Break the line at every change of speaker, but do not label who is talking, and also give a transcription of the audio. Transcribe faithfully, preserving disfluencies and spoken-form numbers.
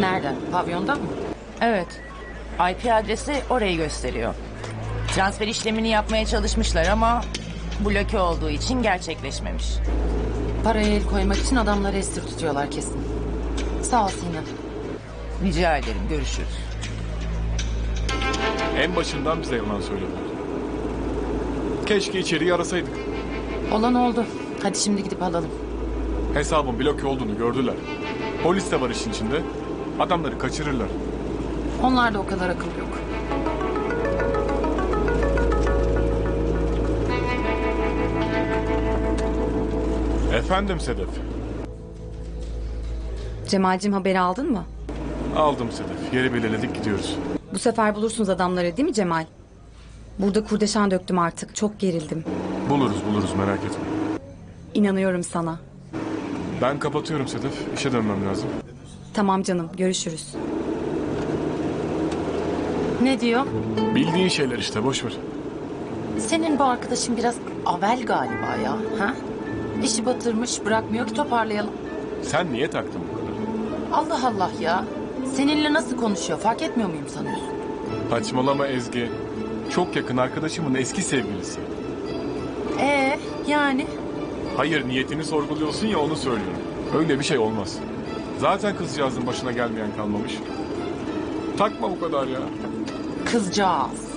Nereden? Pavyondan mı?
Evet. I P adresi orayı gösteriyor. Transfer işlemini yapmaya çalışmışlar ama bloke olduğu için gerçekleşmemiş.
Paraya el koymak için adamları esir tutuyorlar kesin. Sağ ol Sinan.
Rica ederim. Görüşürüz.
En başından bize yalan söylediler. Keşke içeriği arasaydık.
Olan oldu. Hadi şimdi gidip alalım.
Hesabın bloke olduğunu gördüler. Polis de var işin içinde. Adamları kaçırırlar.
Onlarda o kadar akıl yok.
Efendim Sedef.
Cemal'cim haberi aldın mı?
Aldım Sedef. Yeri belirledik, gidiyoruz.
Bu sefer bulursunuz adamları değil mi Cemal? Burada kurdeşen döktüm artık. Çok gerildim.
Buluruz buluruz, merak etme.
İnanıyorum sana.
Ben kapatıyorum Sedef. İşe dönmem lazım.
Tamam canım, görüşürüz.
Ne diyor?
Bildiğin şeyler işte, boş ver.
Senin bu arkadaşın biraz avel galiba ya. Ha? İşi batırmış, bırakmıyor ki toparlayalım.
Sen niye taktın bu kadar?
Allah Allah ya. Seninle nasıl konuşuyor fark etmiyor muyum sanıyorsun?
Saçmalama Ezgi. Çok yakın arkadaşımın eski sevgilisi.
Ee yani?
Hayır, niyetini sorguluyorsun ya, onu söylüyorum. Öyle bir şey olmaz. Zaten kızcağızın başına gelmeyen kalmamış. Takma bu kadar ya.
Kızcağız.